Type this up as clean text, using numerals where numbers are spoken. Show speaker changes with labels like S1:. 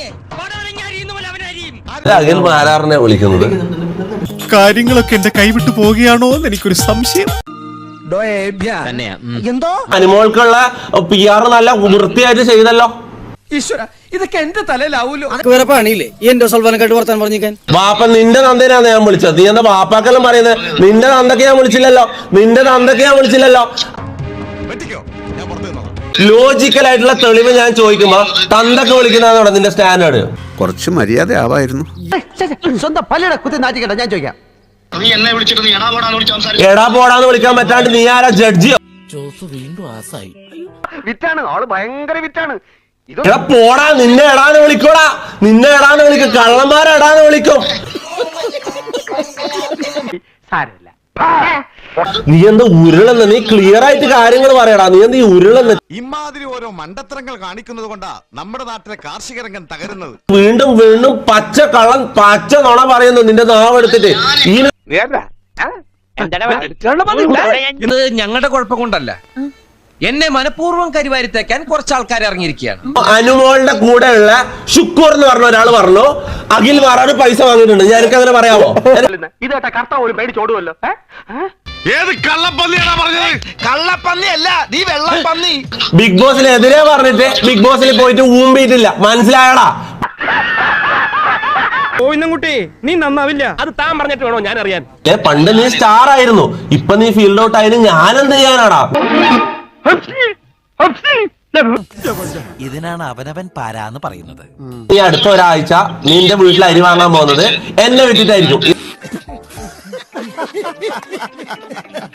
S1: അഖിൽ മാരാറിനെ വിളിക്കുന്നത്.
S2: കാര്യങ്ങളൊക്കെ എന്റെ കൈവിട്ടു പോവുകയാണോ എന്ന് എനിക്കൊരു സംശയം.
S3: എന്തോ
S1: അനുമോൾക്കുള്ള PR നല്ല വൃത്തിയായിട്ട് ചെയ്തല്ലോ.
S3: ഇതൊക്കെ എന്റെ തലയിലാവൂലോ.
S4: വേറെ പണിയില്ലേ ഈ എന്റെ സൽവാനക്കായിട്ട് വർത്താൻ പറഞ്ഞിരിക്കാൻ?
S1: ബാപ്പ നിന്റെ തന്തേനാണ് ഞാൻ വിളിച്ചത്. നീ എന്താ ബാപ്പാക്കെല്ലാം പറയുന്നത്? നിന്റെ തന്തക്ക് ഞാൻ വിളിച്ചില്ലല്ലോ. ലോജിക്കൽ ആയിട്ടുള്ള തെളിവ് ഞാൻ ചോദിക്കുമ്പോ തന്തൊക്കെ വിളിക്കുന്നതാണ് നിന്റെ സ്റ്റാൻഡേർഡ്.
S5: കുറച്ച് മര്യാദ ആവായിരുന്നു.
S3: സ്വന്തം പല്ലിടെ കുത്തി നാറ്റിക്കട്ടെ. ഞാൻ ചോദിക്കാം,
S1: എടാ പോടാന്ന് വിളിക്കാൻ പറ്റാണ്ട് നീ ആരാ? ജഡ്ജിയോ?
S3: വിറ്റാണ് ആള്, ഭയങ്കര വിറ്റാണ്.
S1: എടാ പോടാ, നിന്നെ എടാന്ന് വിളിക്കോടാ. കള്ളന്മാരെ എടാന്ന് വിളിക്കും.
S3: സാരമില്ല.
S1: നീ എന്താ ഉരുളെന്ന്? നീ ക്ലിയർ ആയിട്ട് കാര്യങ്ങൾ പറയടാ. നീ എന്താ ഈ ഉരുളെന്ന്?
S6: ഇമാതിരി ഓരോ മണ്ടത്തരങ്ങൾ കാണിക്കുന്നത് കൊണ്ടാ നമ്മുടെ നാട്ടിലെ കാർഷിക രംഗം തകരുന്നത്.
S1: വീണ്ടും പച്ച നുണ പറയുന്നു നിന്റെ നാവെടുത്തിട്ട്.
S7: ഇത് ഞങ്ങളുടെ കുഴപ്പം കൊണ്ടല്ല, എന്നെ മനഃപൂർവ്വം കരിവാരിത്തേക്കാൻ കുറച്ച് ആൾക്കാർ ഇറങ്ങിയിരിക്കുകയാണ്.
S1: അനുമോളുടെ കൂടെയുള്ള ഷുക്കൂർ എന്ന് പറഞ്ഞ ഒരാൾ പറഞ്ഞു അഖിൽ മാറാട് പൈസ വാങ്ങിയിട്ടുണ്ട്. ഞാനൊക്കെ അങ്ങനെ പറയാമോ?
S3: ഇതേട്ടാ കർത്താവ് ഒരു പേടിച്ചോടുമല്ലോ.
S6: ഏത് കള്ളപ്പന്നിയാണോ പറഞ്ഞത്?
S7: കള്ളപ്പന്നി അല്ല, നീ വെള്ളപ്പന്നി.
S1: ബിഗ് ബോസിനെതിരെ പറഞ്ഞിട്ട് ബിഗ് ബോസിൽ പോയിട്ട് ഊമ്പിയിട്ടില്ല. മനസ്സിലായടാ?
S4: കുട്ടി നീ നന്നാവില്ല.
S7: അത് താൻ പറഞ്ഞിട്ട് വേണോ ഞാൻ അറിയാൻ?
S1: പണ്ട് നീ സ്റ്റാർ ആയിരുന്നു, ഇപ്പൊ നീ ഫീൽഡ് ഔട്ട് ആയിരുന്നു. ഞാനെന്ത് ചെയ്യാനാടാ?
S8: ഇതിനാണ് അവനവൻ പാരാന്ന് പറയുന്നത്.
S1: നീ അടുത്ത ഒരാഴ്ച നിന്റെ വീട്ടിൽ അരി വാങ്ങാൻ പോകുന്നത് എന്നെ വിട്ടിട്ടായിരിക്കും.